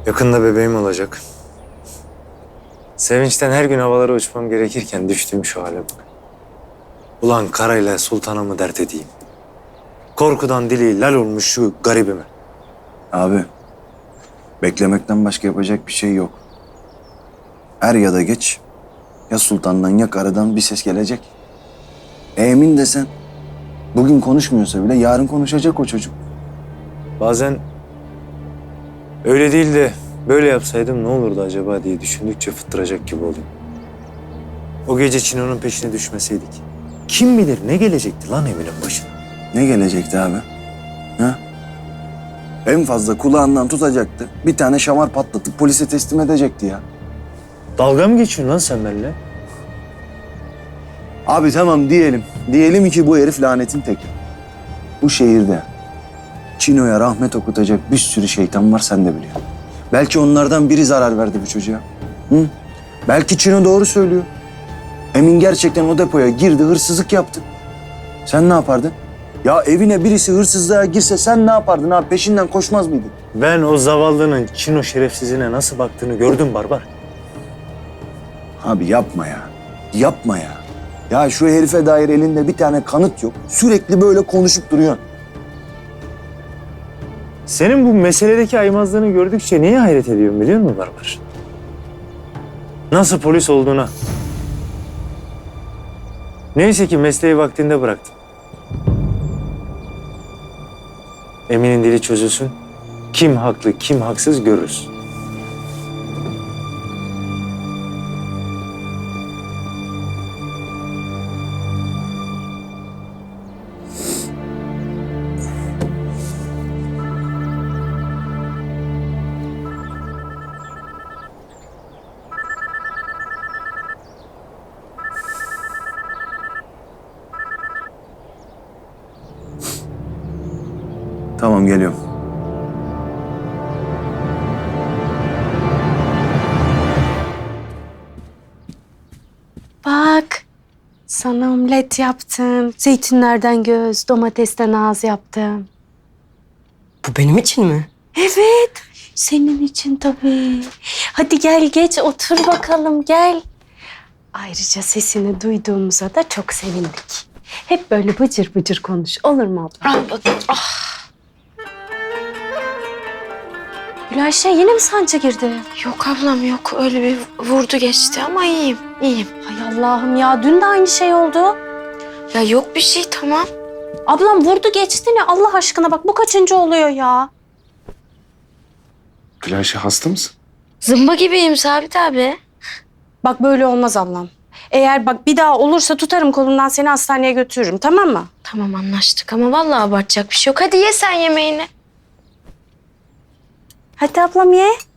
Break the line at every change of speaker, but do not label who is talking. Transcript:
Yakında bebeğim olacak. Sevinçten her gün havalara uçmam gerekirken düştüğüm şu hale bak. Ulan karayla sultana mı dert edeyim? Korkudan dili lal olmuş şu garibime.
Abi, beklemekten başka yapacak bir şey yok. Er ya da geç ya sultandan ya karıdan bir ses gelecek. Emin desen bugün konuşmuyorsa bile yarın konuşacak o çocuk.
Bazen öyle değil de böyle yapsaydım ne olurdu acaba diye düşündükçe fıttıracak gibi oluyor. O gece Çino'nun peşine düşmeseydik. Kim bilir ne gelecekti lan Emin'in başına.
Ne gelecekti abi? Ha? En fazla kulağından tutacaktı. Bir tane şamar patlatıp polise teslim edecekti ya.
Dalga mı geçiyorsun lan sen benimle?
Abi tamam diyelim. Diyelim ki bu herif lanetin teki. Bu şehirde Çino'ya rahmet okutacak bir sürü şeytan var, sen de biliyorsun. Belki onlardan biri zarar verdi bu çocuğa. Hı? Belki Çino doğru söylüyor. Emin gerçekten o depoya girdi, hırsızlık yaptı. Sen ne yapardın? Ya evine birisi hırsızlığa girse sen ne yapardın abi? Peşinden koşmaz mıydın?
Ben o zavallının Çino şerefsizine nasıl baktığını gördüm Barbar.
Abi yapma ya. Yapma ya. Ya şu herife dair elinde bir tane kanıt yok. Sürekli böyle konuşup duruyorsun.
Senin bu meseledeki aymazlığını gördükçe neye hayret ediyorum biliyor musun Barbar? Nasıl polis olduğuna. Neyse ki mesleği vaktinde bıraktın. Emin'in dili çözülsün. Kim haklı, kim haksız görürüz.
Tamam, geliyorum.
Bak, sana omlet yaptım. Zeytinlerden göz, domatesten ağız yaptım.
Bu benim için mi?
Evet, senin için tabii. Hadi gel geç otur bakalım gel. Ayrıca sesini duyduğumuza da çok sevindik. Hep böyle bıcır bıcır konuş. Olur mu abla?
Al bakayım.
Gülayşe yine mi sancı girdi?
Yok ablam yok. Öyle bir vurdu geçti ama iyiyim. İyiyim.
Hay Allah'ım ya dün de aynı şey oldu.
Ya yok bir şey tamam.
Ablam vurdu geçti ne Allah aşkına bak bu kaçıncı oluyor ya?
Gülayşe hasta mısın?
Zımba gibiyim Sabit abi.
Bak böyle olmaz ablam. Eğer bak bir daha olursa tutarım kolundan seni hastaneye götürürüm tamam mı?
Tamam anlaştık ama vallahi abartacak bir şey yok. Hadi ye sen yemeğini.
Hadi ablam ye.